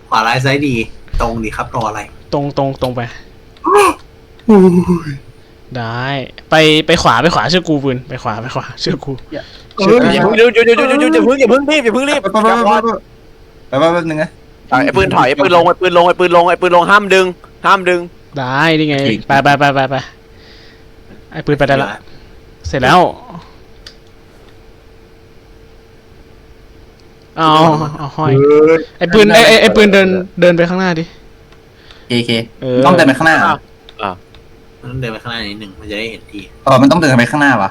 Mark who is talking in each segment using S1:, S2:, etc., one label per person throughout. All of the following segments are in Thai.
S1: ขวาร้ายซ้ายดีตรงดีครับรออะไร
S2: ตรงไปได้ไปขวาเชื่อกูปืนไปขวาเชื่อกู
S3: อย่าเพิ่งอย่าเพิ่งรีบอย่าเพิ่งรีบ
S4: ไปนึงนะ
S3: ไอ้ปืนถอยไอ้ปืนลงห้ามดึง
S2: ได้นี่ไงไปไอ้ปืนไปได้ละเสร็จแล้วเอาห้อยไอ้ปืนไอ้ปืนเดินไปข้างหน้าดิ
S4: เคต้องเดินไปข้างหน้า
S1: มันต้องเดินไปข้างหน้านิดหนึ่งมันจะได้เห็นที
S4: มันต้องเดินไปข้างหน้าวะ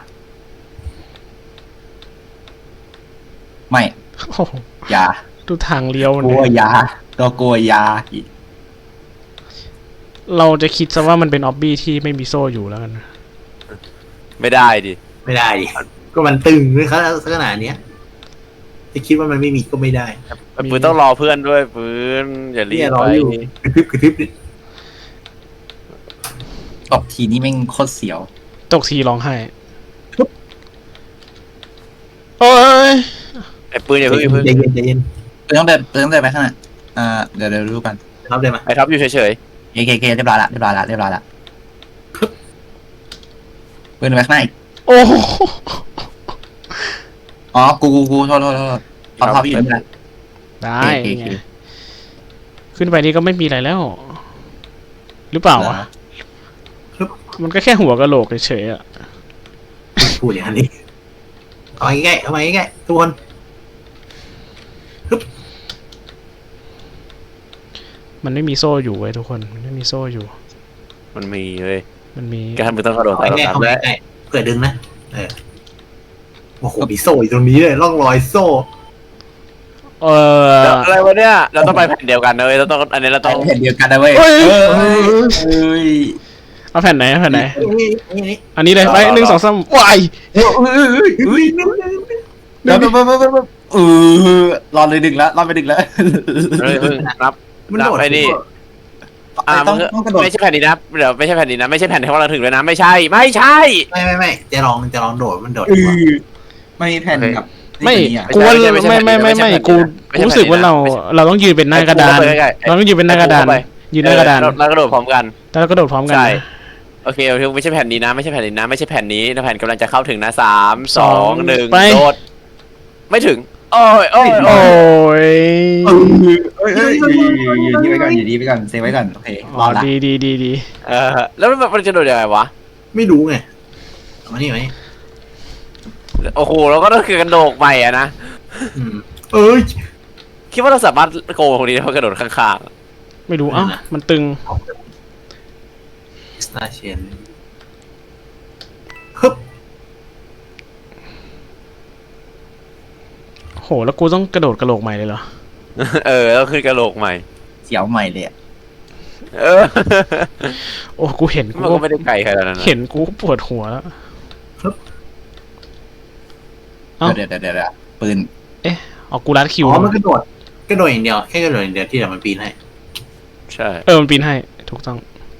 S4: ไม่ยา
S2: ดูทางเลี้ยว
S4: กลัวยาตัวกลัวยา
S2: เราจะคิดซะว่ามันเป็นออบบี้ที่ไม่มีโซ่อยู่แล้วกัน
S3: ไม่ได้ดิ
S1: ก็มันตึงด้วยครับขนาดเนี้ยจะคิดว่ามันไม่มีก็ไม่ได้
S3: ปืนต้องรอเพื่อนด้วยปืนอย่ารีบไป
S1: กระพริบ
S4: ตกทีนี้แม่งโคตรเสียว
S2: ตกทีร้องไห้โอ้ย
S3: ไอ้ปืนอย่าเพิ่ง
S1: ใจเย็น
S4: ต้องเดินไปข้างหน้าเดี๋ยวดูกัน
S1: ครับเดินมา
S3: ไอ้ท็อปอยู่เฉย
S4: เคเรียบร้อยละปืนไปข้างหน้า
S2: โอ้
S4: กูโทษเอาภาพอยู่นี่
S2: ได้ไงขึ้นไปนี่ก็ไม่มีอะไรแล้วหรือเปล่าวะมันก็แค่หัวกะโหลกเฉยๆอ่ะ
S1: พูดอย่างนี้เอาใกล้ทุกคน
S2: มันไม่มีโซ่อยู่เว้ยทุกคนมันไม่มีโซ่อยู่
S3: มันมีเลย
S2: มันมี
S3: การมือต้องกระโดด
S1: ใกล้เผื่อดึงนะโอ้โหมีโซ่อยู่ตรงนี้เลยร่องรอยโซ่
S3: อะไรวะเนี่ยเราต้องไปแผ่นเดียวกันเลยเราต้องอันนี้เราต้อง
S4: แผ่นเดียวกันนะเว้ย
S2: เอาแผ่นไหนอันนี้เลยไป1 2 3วาย
S4: รอเลยดึงแล้วไปดึงแล้ว
S3: รับไปดิไม่ใช่แผ่นนี้นะเดี๋ยวไม่ใช่แผ่นนี้นะไม่ใช่แผ่นที่เราถึงเลยนะไม่ใช่
S1: จะลองโดดมันโดด
S4: ไม่แผ่นแบบ
S2: ไม่กูไม่กูรู้สึกว่าเราต้องยืนเป็นหน้ากระดานเราต้องยืนเป็นหน้ากระดานยืนหน้ากระดาน
S3: แล้วกระโดดพร้อมกัน
S2: แล้วกระโดดพร้อมกัน
S3: โอเคไม่ใช่แผ่นนี้นะไม่ใช่แผ่นนี้นะไม่ใช่แผ่นนี้นะแผ่นกำลังจะเข้าถึงนะ3 2 1โดดไม่ถึงโอ้ย
S4: อยู่ดีไปก่อนเซฟไว้ก่อนโอเครอละ
S2: ดี
S3: แล้วมันจะโดดยังไงวะ
S1: ไม่รู้ไงมานี่ไหม
S3: โอ้โหเราก็ต้องคือกระโดดใหม่อะนะคิดว่าเราสามารถโกงคนนี้เพราะกระโดดข้าง
S2: ๆไม่รู้มันตึง
S1: สตาร์เชนฮึบ
S2: โหแล้วกูต้องกระโดดกระโหลกใหม่เลยเหรอ
S3: แล้วขึ้นกระโหลกใหม่
S4: เสียวใหม่เลย
S2: โอ้กูเห็น
S3: กูไม่ได้ไกลขนาดนั้น
S2: เห็นกูปวดหัวแล้ว
S4: เดี๋ยวปืน
S2: กูรัดคิว
S1: มันกระโดดอย่างเดียวแค่กระโดดอย่างเดียวที่เดี๋ยวมันปีนให้
S3: ใช่
S2: มันปีนให้ถูกต้อง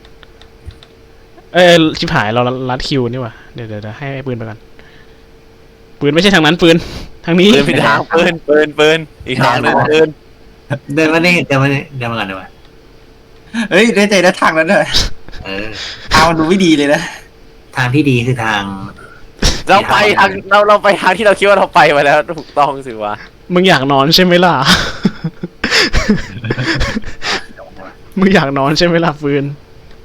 S2: ชิบหายเรารัดคิวนี่ว่ะเดี๋ยวให้ปืนไปกันปืนไม่ใช่ทางนั้นปืนทางนี้
S3: ปืนผิดทางปืนอีกทางนึง
S1: เดินมาเนี่ยเดินมากันดีกว่า
S4: เฮ้ยได้ใจได้ทางแล้วเนี่ยทางมันดูไม่ดีเลยนะ
S1: ทางที่ดีคือทาง
S3: เราไปทางที่เราคิดว่าเราไปมาแล้วถูกต้องสิวะ
S2: มึงอยากนอนใช่ไหมล่ะมึงอยากนอนใช่ไหมล่ะปืน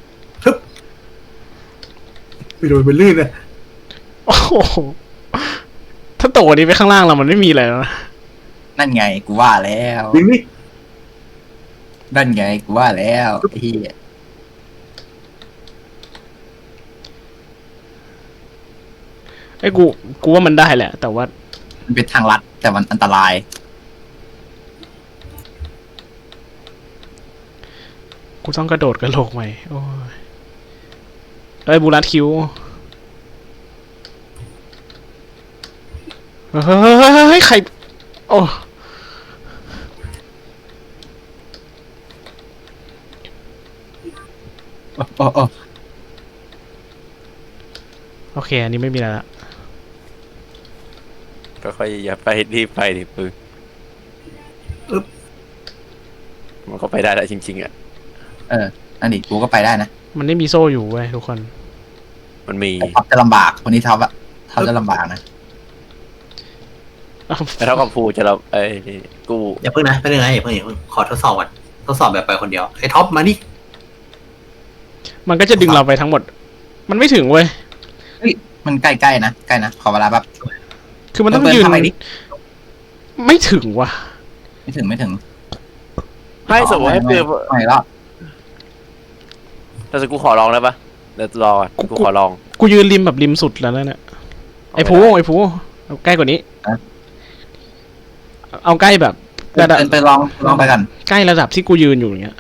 S1: ไปโดนมันลื่นเลย
S2: โอ้โหถ้าโตนี้ไปข้างล่างเรามันไม่มีอะไรแล้วนะ
S4: นั่นไงกูว่าแล้วนั่นไงกูว่าแล้วพี่
S2: กูว่ามันได้แหละแต่ว่า
S4: มันเป็นทางลัดแต่มันอันตราย
S2: กูต้องกระโดดกระโหลกใหม่โอ้ยบูรัดคิวเฮ้ยใครโอเคอันนี้ไม่มีอะไรละ
S3: ก็ค่อยอย่าไปรีบไปดิปืนมันก็ไปได้แหละจริงๆอ่ะ
S4: อันนี้กูก็ไปได้นะ
S2: มันไม่มีโซ่อยู่เว้ยทุกคน
S3: มันมี
S4: แต่ท็อปจะลำบากคนนี้ท็อปอะท็อปจะลำบากนะ
S3: แต่เท่ากับภูจะเรากู
S1: อย่าเพิ่งนะไปเลยนะอย่าเพิ่งขอทดสอบก่อนทดสอบแบบไปคนเดียวไอ้ท็อปมาดิ
S2: มันก็จะดึงเราไปทั้งหมด มันไม่ถึงเว้ย
S4: มันใกล้ๆนะใกล้นะขอเวลาแบบ
S2: คือมันต้องยืน
S4: ทำไมดิ
S2: ไม่ถึงว่ะ
S4: ไม่ถึง
S3: ให้สมมติให้ปืน
S4: ไม่รอบ
S3: แต่กูขอลองได้ปะเดี๋ยวรอกูขอลอง
S2: กูยืนริมแบบริมสุดแล้วเนี่ยไอ้ภูเอาใกล้กว่านี้ เอาใกล้แบบระดับ
S4: ไปลองไปกัน
S2: ใกล้ระดับที่กูยืนอยู่อย่างเงี้ย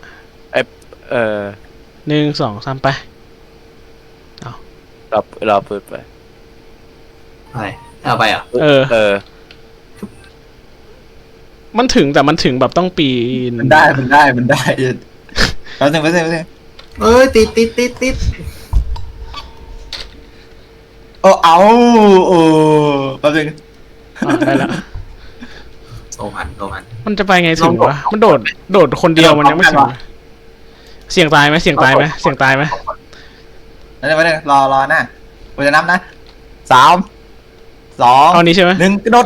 S2: 1 2 3ไป
S3: เราเปิดไป
S1: อะไรเอาไปอ่ะ
S2: เออ มันถึงแต่มันถึงแบบต้องปีน
S4: มันได้แล้วถึง
S1: เอ้ยติด
S4: โอ้แป๊บนึง
S2: ได้ละ
S1: โซมัน
S2: มันจะไปไงถึงวะมันโดดคนเดียวมันยังไม่ถึงเสี่ยงตายไหม
S4: แล้วรอนะกูจะนับนะ3 2
S2: เอานี้ใช่ไหม
S4: 1กระโดด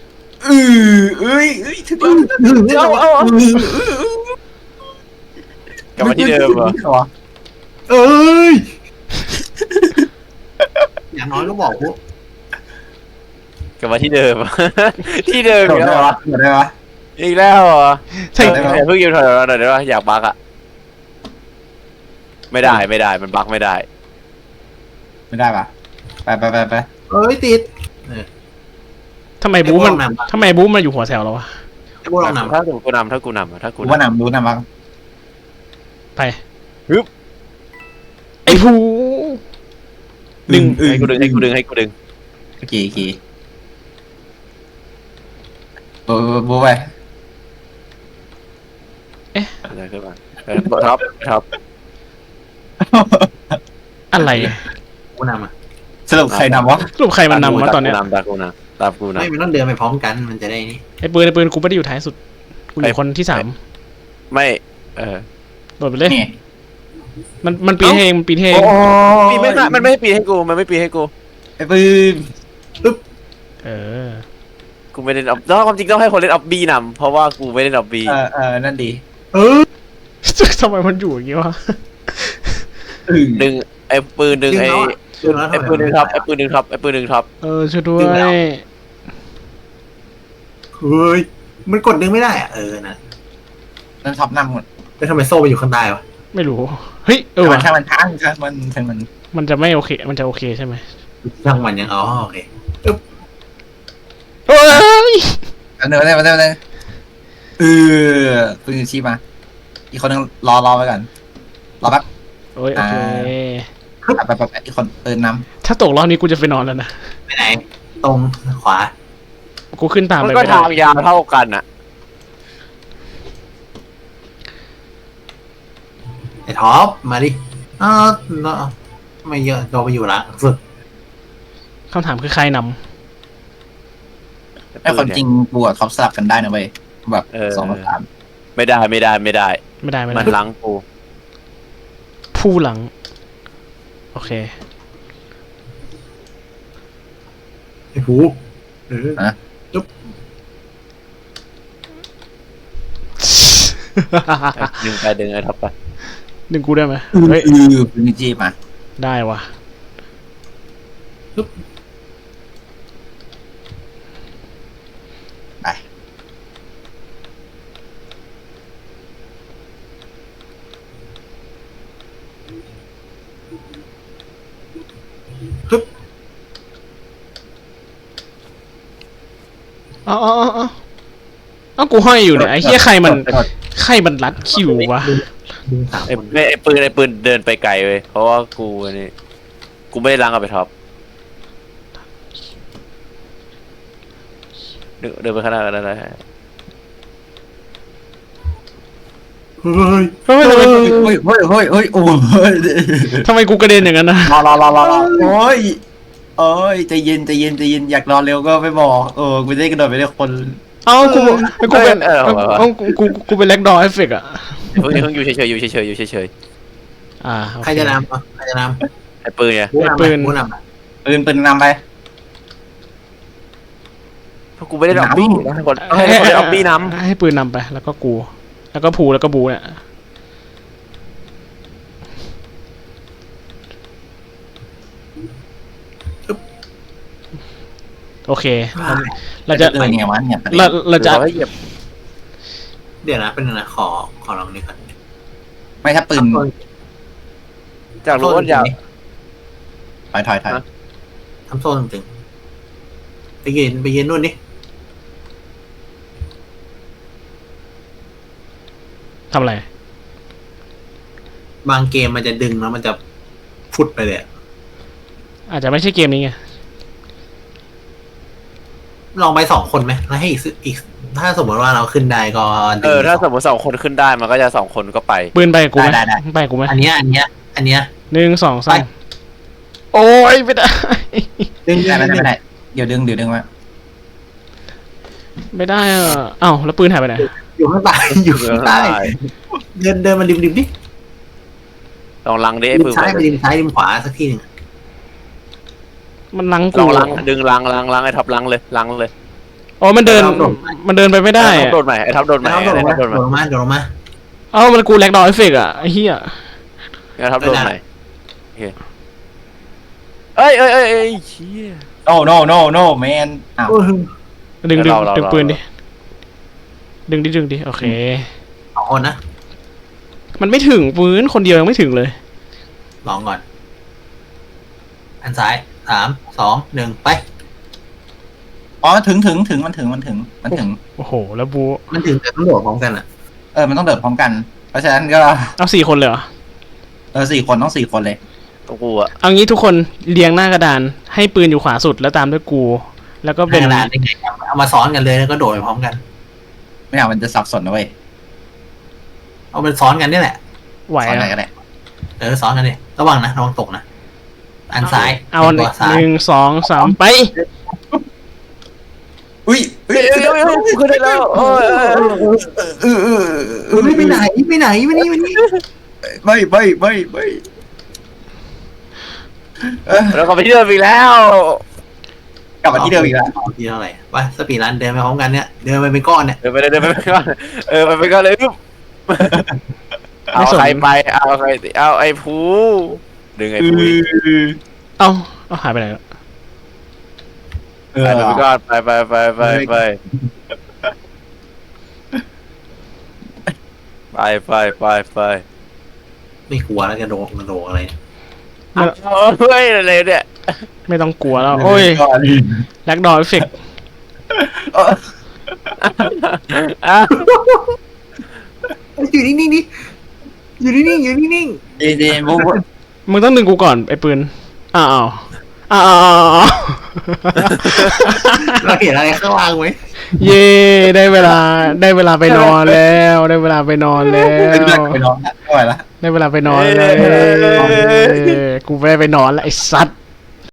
S4: ถึงแล้ว
S3: กลับมาที่เดิมเหรอ
S1: เอ้ยอย่างน้อยก็บอกกู
S3: กลับมาที่เดิม ที่เดิม
S4: โด
S3: อี
S4: ด
S3: ก
S4: ได้
S3: แล้ว
S4: ปะโดดได้ปะ
S3: อีกแล้วเหรอ
S2: ใช่
S3: เพิ่งยืนถอยหน่อยได้ปะอยากบักอ่ะไม่ได้มันบักไม่ได้
S4: ไม่ได้ปะไป
S1: เอ้ยติด
S2: ทำไมบู๊มาอยู่หัวแถวเราวะ
S1: กูลองนำ
S3: ถ้ากูนำ
S4: กูว่านำรู้นะมั้ง
S2: ไปไอ้ภู
S3: ให้กูดึง
S4: โอเคบูไป
S3: อะไรขึ้นมาท็อป
S2: อะไร
S1: กูนำอ่ะ
S4: สรุปใครนำวะ
S2: สรุปใครมันนำวะตอนเนี้ย
S3: ตามกูนะ
S1: ไม่มันต้องเดินไปพร้อมกันมันจะได้นี่
S2: ไอ้ปืนกูไม่ได้อยู่ท้ายสุดกูอยู่คนที่ 3
S3: ไม่
S2: โดดไปเลย
S4: นี่
S2: มันปีนเอง
S3: ปีไม่ค่ะมันไม่ให้ปีให้กูมันไม่ปีให้กู
S4: ไอ้ปืน
S2: เออ
S3: กูไม่เล่นออฟความจริงต้องให้คนเล่นออฟบีนำเพราะว่ากูไม่เล่นออฟบี
S4: นั่นดี
S2: ทำไมมันอยู่อย่างงี้วะ
S3: ดึงไอ้ปืนดึงไอ้ปืนดึงท็อป
S2: ช่วยด้วย
S1: เฮ้ยมันกดดึงไม่ได้อ่ะนะ
S4: นั่นท็อปนำหมด
S1: แล้วทำไมโซ่ไปอยู่ข้างใต้วะ
S2: ไม่รู้เฮ้ยว่ะ
S4: ถ้ามันทั้งมัน
S2: มันจะไม่โอเคมันจะโอเคใช่ไหม
S1: ช่างมันยังโอเค
S2: เฮ้ย
S4: อันนึงปืนชี้มาอีกคนนึงรอไปก่อนรอแป๊บ
S2: โอ้ยโอเค
S4: ไปอีกคนปืนน
S2: ถ้าตกรอบนี้กูจะไปนอนแล้วนะ
S1: ไปไหนตรงขวา
S2: กูขึ้นตาม
S3: มัน
S2: ไป
S3: ก็
S2: ไม่ได้
S3: ทางยาวเท่ากันอ่ะ
S1: ไอ้ท็อปมาดิไม่เยอะเราไปอยู่ละสุด
S2: คำถามคือใครน
S4: ำไอ้คนจริงกูกับท็อปสลับกันได้นะเว้ยแบบ2 3
S3: ไม่ได้
S2: ำไม่ได้
S3: มันล้างกู
S2: ผู้หลัง โอเค
S1: ไอ้ผูจุ๊บ
S3: ดึงไปดึงไอ้ท็อปไป
S2: ดึงกูได้ไหมเฮ้ย
S4: ปืนจี้มา
S2: ได้วะ
S4: ไป
S2: เอากูห้อยอยู่เนี่ยไอ้เหี้ยใครมันรัดคิววะ
S1: ดึงสาม
S3: ไอ้
S1: คน
S3: ปืนเดินไปไกลเว้ยเพราะว่ากูนี่กูไม่ได้ล้างกับไปท็อปเดินไปข้างหน้ากันได้
S1: เฮ้ย
S2: เฮ้ย
S4: โอ้ย
S2: ทำไมกูกระเด็นอย่างนั้นนะ
S4: รอโอ้ยใจเย็นอยากรอเร็วก็ไม่บอกกูได้กระโดดไปได้คน
S2: กูเป็นแล็กดอเอฟเฟกต์อะ
S3: เพิ่งอยู่เฉยๆอยู่เฉยๆอยู่เฉย
S2: โอเค
S1: ใครจะนำอ่ะใครจะน
S3: ๆไอ้ปืนเนี่ย
S1: ำผู้นำ
S2: ปืน
S1: ผู้นำอ่ะ
S4: ปืนนำไป
S3: เพราะกูไม่ได้ดอกบี้นะคนให้คนได้ดอกบี้นำ
S2: ให้ปืนนำไป แล้วก็กู แล้วก็ผูแล้วก็บูเนี่ยโอเค เราจะ
S4: เดินไงวะเนี่ย
S2: เราจะ
S3: ให้เหยียบ
S1: เดี๋ยวนะเป็นงนะขอลองนี่ก่อน
S4: ไม่ถ้าปืน
S3: จากรู้ว่าอยาก
S4: ถอย
S1: ทำโซ่ตึงๆไปยืนนู่นนี่
S2: ทำอะไร
S1: บางเกมมันจะดึงแล้วมันจะฟุดไปเลยอะ
S2: อาจจะไม่ใช่เกมนี้ไง
S1: ลองไป2 คนไหมแล้วให้อีกถ้าสมมติว่าเราขึ้นได้ก็ดึง
S3: ถ้าสมมติ2 คนขึ้นได้มันก็จะ2 คนก็ไป
S2: ปืนไปกับกูไหม
S4: ได้
S2: ไปกับกูไหม
S1: อันเนี้ย
S2: 1 2
S1: ไป
S2: 3โอ้ยไม่ได้
S1: ดึง
S4: ไม่ได้เดี๋ยวดึงไว้
S2: ไม่ได้อ่ะเอ้าแล้วปืนหายไปไหน
S1: อยู่ข้างใต้อยู่ข้างใต้เดินมาริมดิ
S3: ลองลังดิไอ้
S1: ริม
S3: ปืน
S1: ซ้ายไปริมซ้ายริมขวาสักทีหนึ่ง
S2: มันลัง
S3: ล
S2: กู
S3: องลังดึงลังไอ้ท็อปลังเลยลังเลย
S2: อ๋อมันเดินไปไม่ได้
S3: ไอ้ท็อ
S2: อะ
S3: ปโดนใหม่ไอ้ท็อปโดนใหม่
S1: แล้ว
S3: ไอ้
S1: โดดลง
S3: ท็อปโดนใหม่
S1: มาโดดลงมา
S2: เอ้ามันกูแลกดอเอฟเฟกต์อ่ะไอ้เหี้ย
S3: ไอ้ท็อปโดนใหม่โอเคเอ้ยเชี่ย
S4: no man อ้าว
S2: ดึง
S3: เรา
S2: ปืนดิดึงดิโอเค
S1: 2 คนนะ
S2: มันไม่ถึงปืนคนเดียวยังไม่ถึงเลย
S1: ลองก่อน อันซ้าย3 2 1ไป
S4: อ๋อถึงมันถึง
S2: โอ้โหแล้วบู
S1: มันถึงแต่ต้องโดดพร้อมกันอ่ะ
S4: มันต้องเดินพร้อมกัน เพราะฉะนั้นก็
S2: เอา4 คนเลยเหรอ
S4: 4 คนต้อง4 คนเลย
S3: ตัวกูอะ
S2: เอางี้ทุกคนเรียงหน้ากระดานให้ปืนอยู่ขวาสุดแล้วตามด้วยกู แล้วก็เป็น
S1: ขนาดยังไงเอามาซ้อนกันเลยแล้วก็โดดไปพร้อมกัน
S4: ไม่เอามันจะสับสนนะเว้ย
S1: เอาเป็นซ้อนกันนี่แหละ
S2: ไหว
S4: สอนอะไร
S2: อะ
S4: ก็ได้
S1: ซ้อนกันดิระวังตกนะ อันซ้าย
S2: เอา
S1: ตัวซ้าย
S2: 1 2 3ไป
S4: อุ้ย
S3: ขึ้นได้แล้วโอ้ย
S1: ไม่ไปไหนมานี่
S4: ไม่
S3: แล้วก็ไปที่เดิมอีกแล้ว
S4: กลับมาที่เดิมอีกแล้ว
S1: ที่เท่าไหร่ไปสปีดรันเดินไปพร้อมกันเนี่ยเดินไปเป็นก้อนเนี่ย
S3: เดินไปก่อนไปก่อนเลยเอาใครไปเอาไอ้ภูดึงไอ้ภู
S2: เอาหายไปไหนแล้ว
S3: ไปก่อนไป
S1: ไม่กลัวแล้วจะโดดอะไร
S3: เฮ้ยอะไรเนี่ย
S2: ไม่ต้องกลัวแล้วโอ้ยแลกดอเอฟเฟกต์
S1: อยู่นิ่งๆดิอยู่นิ่ง
S4: เดบุ๊
S2: มึงต้องดึงกูก่อนไอ้ปืนอ้าว
S1: เราเห็นอะไรข้างล่างไหม
S2: เย่ได้เวลาไปนอนแล้วได้เวลาไปนอนแล้ว
S4: ไปนอนไม่ไหวละ
S2: ได้เวลาไปนอนแล้วกูไม่ได้ไปนอนแล้วไอ้สัตว์